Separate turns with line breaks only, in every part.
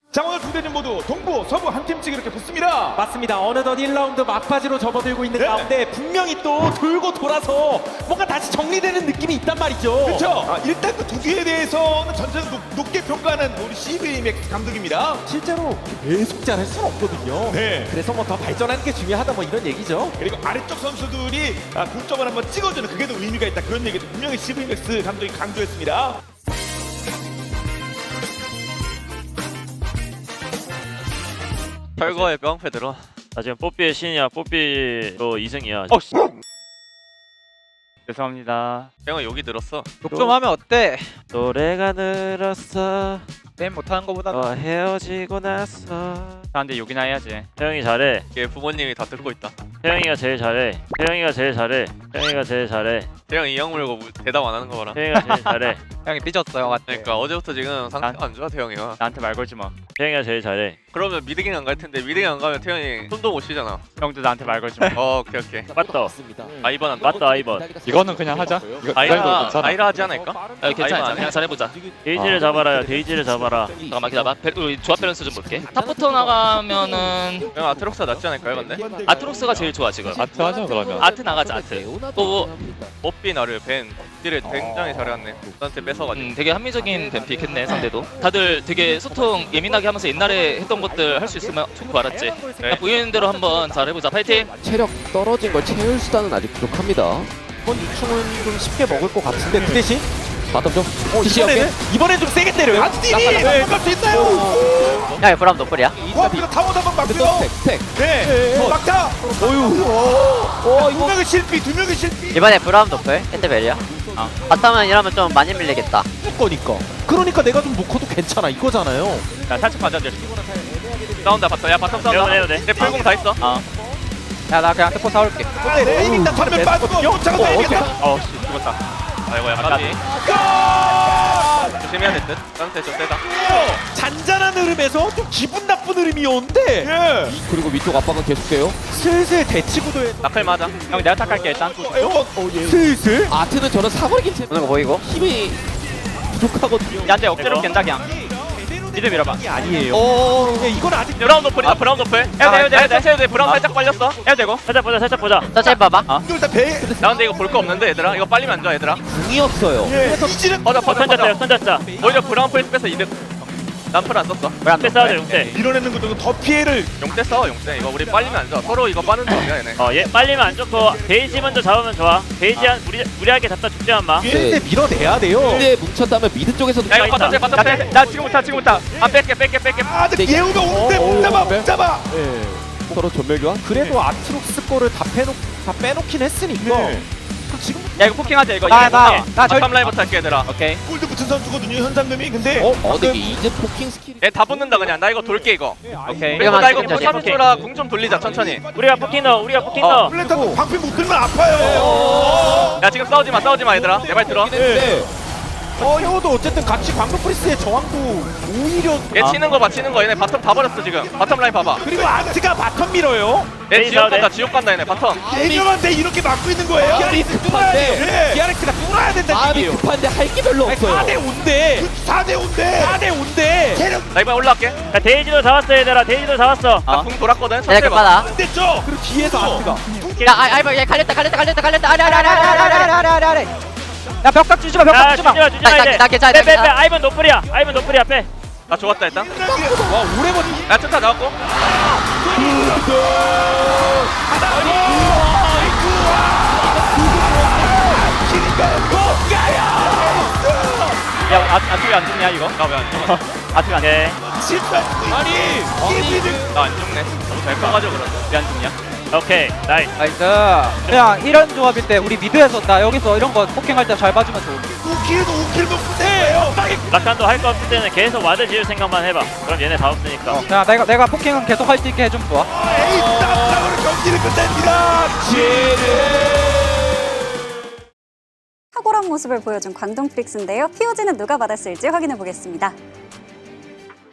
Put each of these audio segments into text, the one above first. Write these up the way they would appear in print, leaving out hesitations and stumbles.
자, 오늘 두 대진 모두 동부, 서부 한 팀씩 이렇게 붙습니다.
맞습니다. 어느덧 1라운드 막바지로 접어들고 있는
네.
가운데 분명히 또 돌고 돌아서 뭔가 다시 정리되는 느낌이 있단 말이죠.
그렇죠. 일단 그 두 개에 대해서는 전체적으로 높게 평가하는 우리 CV 맥스 감독입니다.
실제로 계속 잘할 수는 없거든요.
네.
그래서 뭐 더 발전하는 게 중요하다 뭐 이런 얘기죠.
그리고 아래쪽 선수들이 공점을 한번 찍어주는 그게 더 의미가 있다, 그런 얘기도 분명히 CV 맥스 감독이 강조했습니다.
철거의 뿅패 들어.
나 지금 뽀삐의 신이야. 뽀삐로 2승이야.
죄송합니다. 형은 여기 들었어.
욕 좀 하면 어때?
노래가 늘었어.
게임 못하는 거보다
너와 헤어지고 나서.
나한테 욕이나 해야지.
태영이 잘해.
걔 부모님이 다 듣고 있다.
태영이가 제일 잘해. 태영이가 제일 잘해. 태영이가 제일 잘해.
태형 이형 물고 대답 안 하는 거 봐라.
태영이가 제일 잘해.
형이 삐졌어 형한테.
그러니까 어제부터 지금 상태가 안 좋아 태형이가.
나한테 말 걸지 마.
태영이가 제일 잘해.
그러면 미드ging 안 갈 텐데 미드ging 안 가면 태형이 손도 못 쉬잖아.
형도 나한테 말 걸지 마.
오케이 오케이.
맞다.
아이번 한다.
맞다 아이번.
이거는 그냥 하자. 이거
아이라
괜찮아.
아이라 하지 않을까?
괜찮아.
아이번
그냥 잘해보자.
데이지를 잡아라요. 데이지를 잡아라.
잠깐만 기다려봐. 우리 조합 밸런스 좀 볼게. 탑부터 나가면은
형 아트록스가 낫지 않을까요 근데?
아트록스가 제일 좋아 지금.
아트 하자 그러면.
아트 나가자 아트. 또
뽀삐 나를 벤 딜을 굉장히 잘해왔네. 나한테 뺏어가지고.
되게 합리적인 뱀픽 했네 상대도. 다들 되게 소통 예민하게 하면서 옛날에 했던 것들 할 수 있으면 좋고 알았지?
네.
보이는 대로 한번 잘해보자. 파이팅!
체력 떨어진 걸 채울 수단은 아직 부족합니다.
이번 유충은 좀 쉽게 먹을 것 같은데 그 대신
바텀 좀.
이번엔 좀 세게 때려요.
안티니 막을 수 있나요?
야 브람 너플이야?
코앞에서 타워 한번 막고요.
스택.
네, 막타. 두 명의 실비, 두 명의 실비.
이번에 브람 너플? 핸드벨이야? 바텀은 이러면 좀 많이 밀리겠다.
거니까. 그러니까 내가 좀 놓고도 괜찮아 이거잖아요.
야 살짝 맞아 돼. 싸운다 바텀. 야 바텀 싸운다.
해도 돼.
내 풀공 다 있어.
야 나 그냥 특포 사올게.
레인 일단 전면 빠지고 못 잡아서 이기겠다.
어씨 죽었다. 아이고야 까비. 조심해야 될 듯. 딴데 좀 세다.
잔잔한 흐름에서 좀 기분 나쁜 흐름이 오는데
예.
그리고 위쪽 압박은 계속돼요.
슬슬 대치구도에
나클 맞아.
형 내가 탁할게 일단.
슬슬
아트는 저는 사거리 김치
오는 거 보이고?
힘이 부족하거든요.
야한테 억지로 깬다 그냥. 미드 밀어봐.
아니에요. 이건 아직
브라운 노플이다. 브라운 노플. 해도 돼. 브라운 살짝 빨렸어.
해도 되고.
살짝 보자. 살짝 보자.
천천히 봐봐.
일단 배.
나 근데 이거 볼 거 없는데 얘들아. 이거 빨리면 안 좋아 얘들아.
궁이 없어요.
예. 이지는
퍼져.
던졌자. 던졌자.
오히려 브라운 플레이스 빼서 이득. 난풀 안 썼어.
용대 싸우자. 용대.
밀어내는 것도 더 피해를.
용대 싸워 용대. 이거 우리 빨리면 안 좋아. 서로 이거 빠는 점이야 얘네.
얘 빨리면 안 좋고 데이지 먼저 잡으면 좋아. 데이지 한 무리하게 잡다 죽지만 마.
근데 밀어내야 돼요.
근데 뭉쳤다면 미드 쪽에서도
야 이거
있다.
바텀 빼.
나 지금부터.
아 뺄게.
아직 예우가 오는데 못 잡아.
서로 전멸 교환.
그래도 아트록스 거를 다 빼놓긴 했으니까.
네.
지금
야 이거 포킹하자 이거.
바텀 라인부터 할게 얘들아.
오케이.
골드 붙은 선수거든요 현상금이. 근데
근데 이제 포킹 스킬이
얘 다 붙는다 그냥. 나 이거 돌게 이거.
오케이.
그리고 나 이거
이거만
포탑 줘라. 궁 좀 돌리자 천천히.
우리가 포킹 넣어. 우리가 포킹 넣어.
플랜타도 방패 못 들면 아파요.
야 지금 싸우지 마 얘들아. 내 말 들어.
이것도 어쨌든 같이 광동 프리스의 저항도 오히려
얘 치는 거 봐. 얘네 바텀 다 버렸어 지금. 바텀 라인 봐봐.
그리고 아트가 바텀 밀어요.
얘 지옥 간다 얘네 바텀.
대결한데 이렇게 막고 있는 거예요.
기아리스 급한데
기아렉스가 뚫어야 된다는
마음이
얘기예요.
급한데 할 게 별로 없어요.
4대 5인데
4대 5인데
4대 5인데
체력
나 이번에 올라갈게.
야 데이지도 잡았어 얘들아. 데이지도 잡았어.
나 궁 돌았거든.
얘네
천천히 봐.
급하다.
안 됐죠.
그리고 뒤에서 아트가
야 아이버 얘 갈렸다. 아래.
야 벽각 주지 마.
야 주지마 이제.
나 괜찮아,
빼.
괜찮아.
아이번 노플이야. 빼.
나 좋았다 일단.
와 오래버리
야 천타 나왔고.
야 아트가 안 죽냐 이거?
나 왜 안 죽어?
아트가 안 죽냐?
오케이.
실패. 아니 끼리는
나 안 죽네. 너무 잘 커가지고 그런다.
왜안 죽냐?
오케이. 나이스.
나이스. 그냥 이런 조합일 때 우리 미드에서 나 여기서 이런 거 포킹할 때 잘 봐주면 좋은데.
5킬도 못해요.
라칸도 할 거 없을 때는 계속 와드 지을 생각만 해봐. 그럼 얘네 다 없으니까.
그냥 내가 포킹은 계속 할 수 있게 해주면 좋아.
에이 땀으로 경기를 끝냅니다.
탁월한 모습을 보여준 광동 프릭스인데요. POG는 누가 받았을지 확인해 보겠습니다.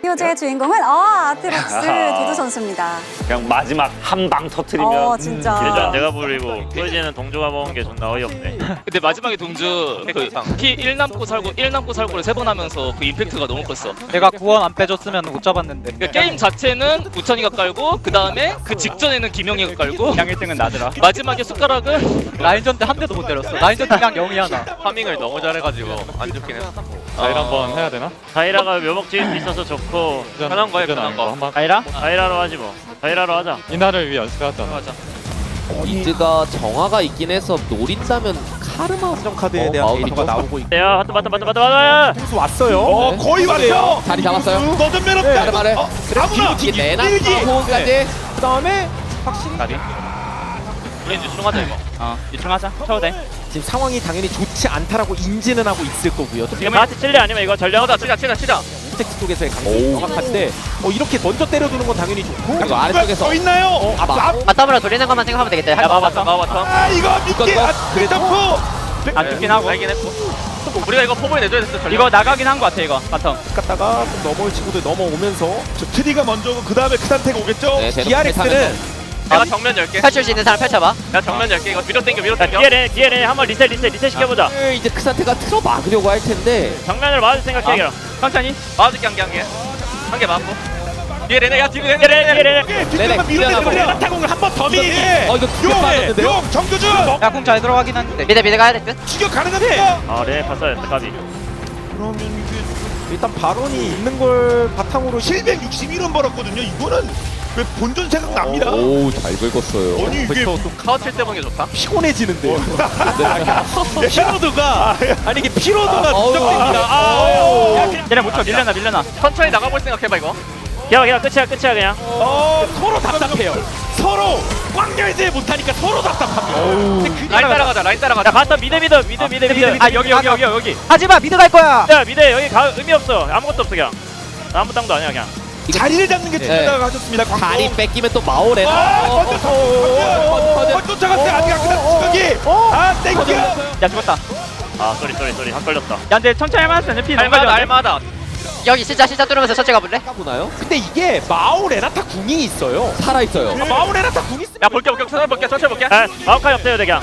요즈의 주인공은 아트록스 두두 선수입니다.
그냥 마지막 한 방 터트리면
진짜.
예전 내가 부리고 소이지는 동조가 먹은 게 존나 어이없네.
근데 마지막에 동주 피1 남고 살고 1 남고 살고를 3번 하면서 그 임팩트가 너무 컸어.
내가 구원 안 빼줬으면 못 잡았는데.
그러니까 게임 자체는 우천이가 깔고 그 다음에 그 직전에는 김영희가 깔고
그냥 1등은 나더라.
마지막에 숟가락을
라인전 때 한 대도 못 때렸어. 라인전 때 그냥 0이 하나.
파밍을 너무 잘해가지고 안 좋긴 했어.
자일 한번 해야 되나?
다이라가 묘목 지을 수 있어서 좋고
편한 거에 편한 거.
한번
아이라?
다이라로 하지 뭐. 다이라로 하자.
이날을 위해 연습해왔잖아.
맞아.
이즈가 정화가 있긴 해서 노린다면 카르마 수정 카드에 대한 데이터가 나오고 있고
야 하트 맞다.
통수 왔어요.
어 거의 왔죠.
자리 잡았어요.
너전 매력 없다.
카르마를
아무나
이게 내나
일기.
호흡까지
그 다음에
나비.
우린 유충하자 이거.
유충하자. 쳐도 돼.
지금 상황이 당연히 좋지 않다라고 인지는 하고 있을 거고요.
지금 하트 칠래 아니면 이거 전령?
치자.
스택 쪽에서의 강점이 정확한데 이렇게 먼저 때려주는 건 당연히 좋고
그리고 아래쪽에서
더 있나요?
맞다으로 돌리는 것만 생각하면 되겠다.
야 마바텀.
아 이거 믿기 점프.
안 죽긴 하고.
알긴 했고. 우리가 이거 포부에 내줘야 됐어. 전략.
이거 나가긴 한 거 같아 이거. 바텀.
갔다가 좀 넘어올 친구들 넘어오면서
저 트리가 먼저고 그 다음에 그 상태가 오겠죠.
네,
DRX는
내가 정면 열게.
펼칠 수 있는 사람 펼쳐봐.
내가 정면 열게. 이거 밀어 당겨.
뒤에 한번 리셋 시켜보자.
이제 그 상태가 틀어 막으려고 할 텐데
정면을 맞을 생각해 그럼.
천천히.
맞을게 한 개 맞고. 뒤에 레네 야 뒤에
뒤에
레네.
레네.
뒷면만 밀어내고 레나타공을 한번 더 밀기.
이거 두개 빠졌는데요?
용 정교준
야궁 잘 들어가긴 한데. 미드 가야 될 듯.
추격 가능합니까?
아 레네 봤어야 했다 까비.
그러면 이게
일단 발언이 있는 걸 바탕으로
761원 벌었거든요. 이거는 왜 본전 생각납니다.
오잘 긁었어요.
아니 이게
카우 칠때 보는 게 좋다.
피곤해지는데요. 피로도가 아니 이게 피로도가
어우,
누적됩니다.
얘네 못 쳐. 밀려나.
천천히 나가볼 생각해봐 이거.
그냥 끝이야 그냥.
서로 답답해요. 서로 꽉 열지 못하니까 서로 답답합니다. 근데 그
라인 따라가자.
야 바텀 미드.
아 여기.
하지마 미드 갈 거야.
야 미드 여기 가 의미 없어. 아무것도 없어 그냥. 아무 땅도 아니야 그냥.
자리를 잡는 게
네.
중요하다고 하셨습니다. 광고.
다리 뺏기면 또 마오레.
쫓아갔어요. 아직 안 끝났어. 추격이. 아 땡큐.
야 죽었다.
아 쏘리 한 걸렸다.
야 근데 천천히 할만했어. 피 너무
알마다
걸렸는데?
알마다.
여기 진짜 뚫으면서 천천히 가볼래?
까보나요?
근데 이게 마오 레나타 궁이 있어요.
살아 있어요.
마오 레나타 궁 있으면
야 볼게 천천히 볼게.
아 마우카이 없어요 그냥.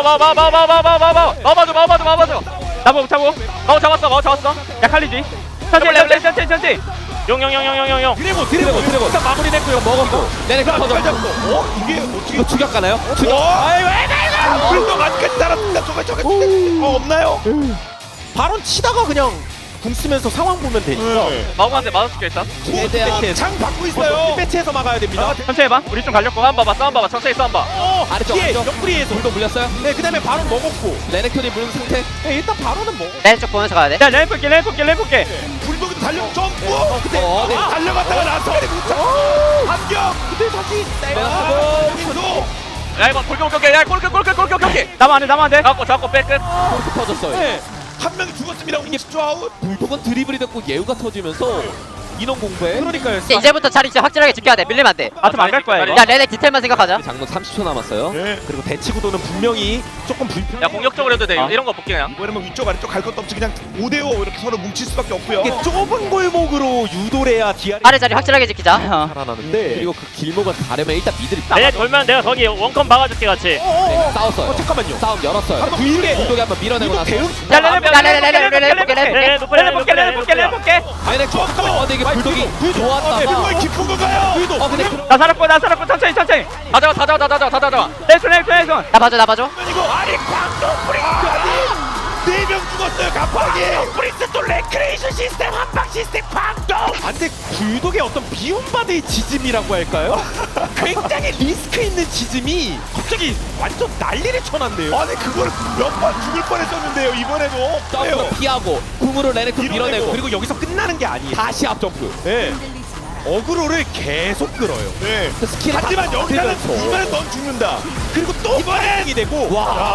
마봐줘.
나보 차고.
마우 잡았어.
야 칼리지. 천천히.
용.
드래곤 일단 마무리됐고요. 먹었고.
내내 터져.
이게 어떻게?
이거 추격 가나요?
아이고. 그래도 아직까지 살았습니다. 저거 없나요?
바론 치다가 그냥 궁 쓰면서 상황 보면 되니까.
마우한테 맞아줄게 일단.
최대한
장 받고 있어요.
배치해서 막아야 됩니다.
천천히 해봐. 우리 좀 갈렸고.
싸움 봐봐. 천천히 싸움 봐.
아래쪽
뒤에
아래쪽.
옆구리에서.
돌도 물렸어요.
네, 그다음에 바론 먹었고.
레넥톤이 물린 상태.
네, 일단 바론은 먹어.
왼쪽 보면서 가야 돼.
야 레인 볼게.
불복이 달려 점프.
근데
네.
달려갔다가 나서 반격.
근데 다시
여기서
야 이거 골격. 야 골격.
나만 안 돼.
잡고 빼 끝.
이렇게 터졌어요.
네.
한 명이 죽었습니다. 이게 10초 아웃.
불독은 드리블이 됐고 예우가 터지면서 인원 공부에
그러니까요.
이제부터 자리 진짜 확실하게 지켜야 돼. 밀리면 안 돼.
바텀 안 갈 거야 이거.
야 레넥 디테일만 생각하자.
장로 30초 남았어요.
네.
그리고 대치 구도는 분명히 조금 불편.
야 공격적으로 해도 돼. 이런 거 볼게 그냥.
이번에는 뭐 위쪽 아래쪽 갈 것도 없이 그냥 5대5 이렇게 서로 뭉칠 수밖에 없고요.
이게 좁은 골목으로 유도를 해야 DR이
아래 자리 확실하게 지키자.
살아나는데.
그리고 그 길목을 가려면 일단 미들이
레네 돌면 내가 거기 원컴 박아줄게 같이.
싸웠어요.
잠깐만요.
싸움 열었어요.
한번 불게.
불독이 한번 밀어내고 나서
야 레넥 볼게.
레네 볼게.
아니 잠깐만. 근데 이게 불독이
그걸
좋았다가
깊은 건가요?
근데
나 살았고 천천히.
다 잡아.
레이손.
나 봐줘.
이거 아니 광동 프리스 아니 4명 죽었어요. 갑자기 프리스 또 레크레이션 시스템 한방 시스템 광동.
안돼 불독의 어떤 비움바드의 지짐이라고 할까요? 굉장히 리스크 있는 지짐이 갑자기 완전 난리를 쳐놨네요.
아니 그걸 몇 번 죽을 뻔했었는데요. 이번에도
점프로 피하고 궁으로 레넥톤 밀어내고
그리고 여기서 끝나는 게 아니에요.
다시 앞점프.
네. 어그로를 계속 끌어요.
네.
스킬
하지만 여기서는
들면서.
이번엔 넌 죽는다.
그리고 또 이번에 되고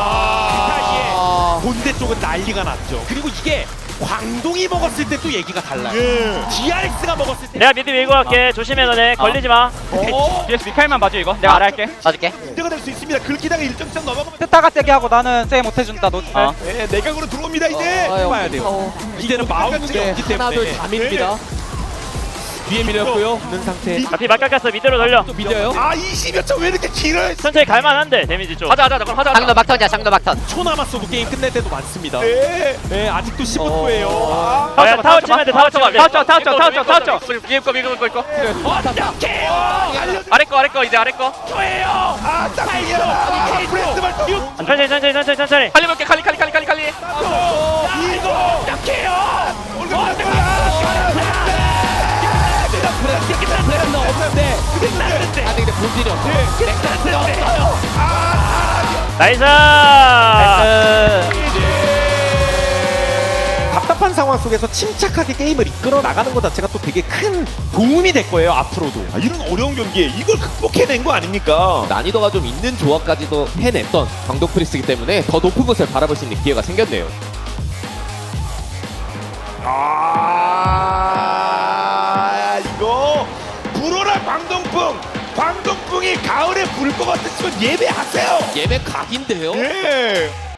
와.
본대 쪽은 난리가 났죠. 그리고 이게 광동이 먹었을 때 또 얘기가 달라요.
예.
DRX가 먹었을 때
내가 미드 밀고 갈게. 조심해 너네. 걸리지 마.
뒤에서 미카엘만 봐줘 이거. 내가 알아 할게.
봐줄게.
문제가 될 수 있습니다. 긁히다가 일정 이상 넘어가면
뜻다가 세게 하고 나는 세게 못해준다. 너.
네, 내각으로 들어옵니다 이제.
해봐야 돼요. 이제는 마운드가 없기
하나둘
때문에.
다 밀립니다.
뒤에 밀렸고요. 없는 상태.
앞이 막 깎았어. 미드로 돌려.
또 밀려요.
아 20여 초 왜 이렇게 길어요?
천천히 갈만한데 데미지 좀.
하자 그럼 하자.
상도 막턴이야 상도 막턴.
초 남았어도 게임 끝낼 때도 많습니다.
네.
네, 아직도 15초예요.
야, 타워 치면 돼. 타워 치면 돼.
타워 쳐.
위에 거 위에 거.
어떡해요?
아래 거 이제 아래 거.
알려줘요. 아 딱이야. 브레스 발톱.
천천히.
칼리 볼게 칼리.
이거 약해요.
아니 근데 본질이 없어.
나이스.
답답한 상황 속에서 침착하게 게임을 이끌어 나가는 것 자체가 또 되게 큰 도움이 될 거예요 앞으로도.
아, 이런 어려운 경기에 이걸 극복해낸 거 아닙니까?
난이도가 좀 있는 조합까지도 해냈던 광동 프리스기 때문에 더 높은 곳을 바라볼 수 있는 기회가 생겼네요.
아 이거 불어라 광동풍. 광동풍이 가을에 불 것 같으시면 예배하세요.
예배 각인데요?
예.